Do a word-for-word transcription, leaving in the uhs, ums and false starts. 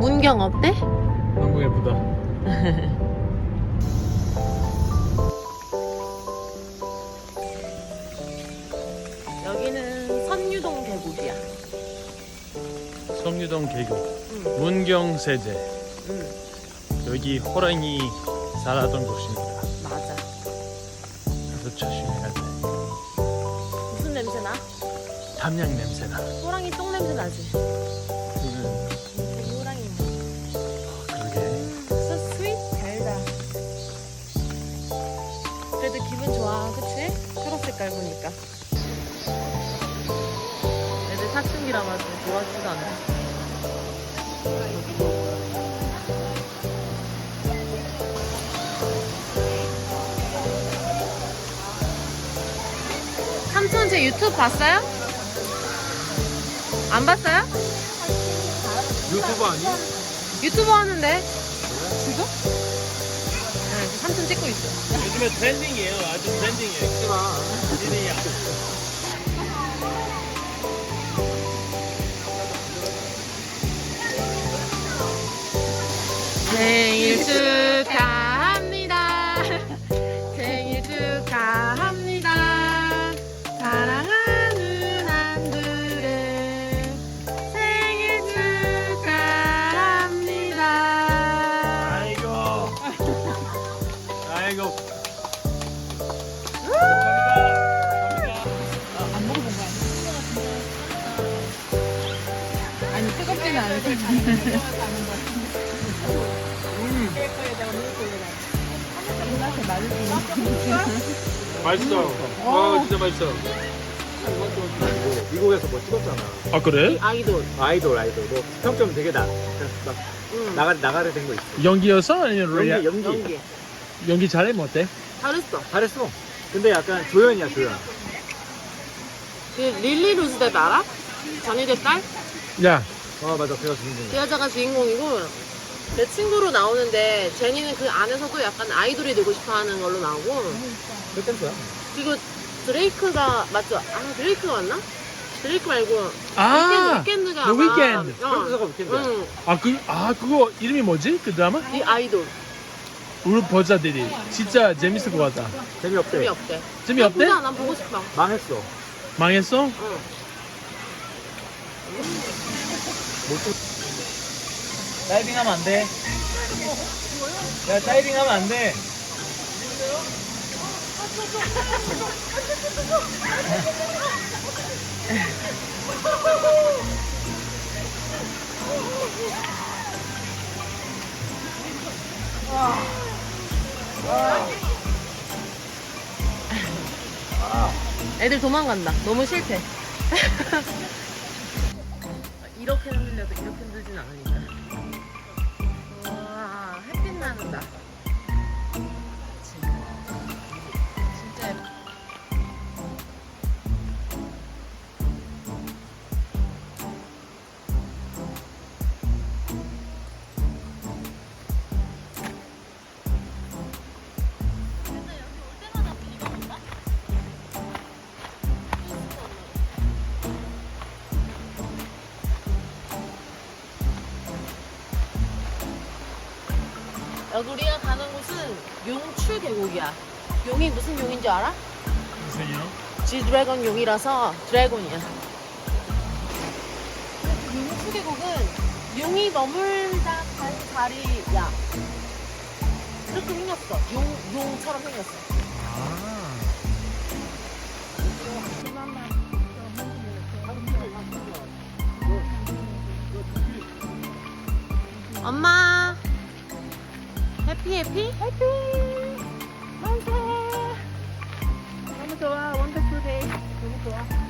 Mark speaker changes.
Speaker 1: 문경 어때?
Speaker 2: 너무 예쁘다.
Speaker 1: 여기는 선유동 계곡이야.
Speaker 2: 성유동 계곡,
Speaker 1: 응.
Speaker 2: 문경 세제.
Speaker 1: 응.
Speaker 2: 여기 호랑이 살았던 곳입니다.
Speaker 1: 맞아.
Speaker 2: 그래서 조심해야 돼.
Speaker 1: 무슨 냄새 나?
Speaker 2: 담양 냄새나.
Speaker 1: 호랑이 똥 냄새 나지?
Speaker 2: 음,
Speaker 1: 되게 호랑이 냄새.
Speaker 2: 그러게.
Speaker 1: So sweet. 달다. 그래도 기분 좋아, 그치? 초록 색깔 보니까. 애들 사춘기라 가지고 좋아하지도 않아. 삼촌 제 유튜브 봤어요? 안 봤어요?
Speaker 2: 유튜브 아니?
Speaker 1: 유튜브 하는데 지금? 네, 지금 삼촌 찍고 있어.
Speaker 2: 요즘에 트렌딩이에요. 아주 트렌딩이에요. 하지마. 트렌딩이야.
Speaker 1: 생일 축하합니다. 생일 축하합니다. 사랑하는 안드레 생일 축하합니다.
Speaker 2: 아이고. 아이고.
Speaker 3: 안 먹어본 거 아니야? 아니 뜨겁지는 않을 텐데. 입맛에 맞을 수 있는.
Speaker 2: 맛있어. 아 진짜 맛있어.
Speaker 4: 미국에서 뭐 찍었잖아.
Speaker 2: 아 그래?
Speaker 1: 아이돌.
Speaker 4: 아이돌 아이돌 뭐 평점 되게 나. 막
Speaker 1: 응.
Speaker 4: 나가 나가게 된 거 있어.
Speaker 2: 연기였어? 아니면
Speaker 4: 연기
Speaker 2: 리얼?
Speaker 4: 연기
Speaker 1: 연기.
Speaker 2: 연기 잘해? 뭐 어때?
Speaker 1: 잘했어.
Speaker 4: 잘했어. 근데 약간 조연이야 조연.
Speaker 1: 그 릴리 루즈뎃 알아? 전희대 딸?
Speaker 2: 야,
Speaker 4: 어 맞아 걔가 주인공.
Speaker 1: 그 여자가 주인공이고 내 친구로 나오는데 제니는 그 안에서도 약간 아이돌이 되고 싶어하는 걸로 나오고
Speaker 4: 그 댄스야.
Speaker 1: 그리고 드레이크가 맞죠? 아 드레이크가 맞나? 드레이크 말고
Speaker 2: 아,
Speaker 1: 위켄드, 위켄드가
Speaker 2: The
Speaker 1: 아마-
Speaker 2: Weeknd.
Speaker 1: 어.
Speaker 4: 프랑스가 위켄드야.
Speaker 1: 응.
Speaker 2: 아 그, 아 그거 이름이 뭐지? 그 드라마?
Speaker 1: 이 아이돌
Speaker 2: 우리 보자들이 진짜 재밌을 것 같다.
Speaker 4: 재미없대.
Speaker 1: 재미없대.
Speaker 2: 재미없대?
Speaker 1: 보자, 난 보고 싶어.
Speaker 4: 망했어.
Speaker 2: 망했어?
Speaker 1: 응.
Speaker 4: 다이빙하면 안 돼. 야 다이빙하면 안 돼.
Speaker 1: 애들 도망간다. 너무 싫대. 이렇게 흔들려도 이렇게 흔들진 않으니까. 와, 햇빛 나는다. 진짜 예뻐. 여기 우리가 가는 곳은 용추 계곡이야. 용이 무슨 용인지 알아?
Speaker 2: 무슨요?
Speaker 1: G 드래곤 용이라서 드래곤이야. 용추 계곡은 용이 머물다 간 자리야. 이렇게 생겼어. 용, 용처럼 생겼어.
Speaker 2: 아.
Speaker 1: 엄마 해피 해피? 해피
Speaker 3: 너무 좋아. 원더풀 데이. 너무 좋아.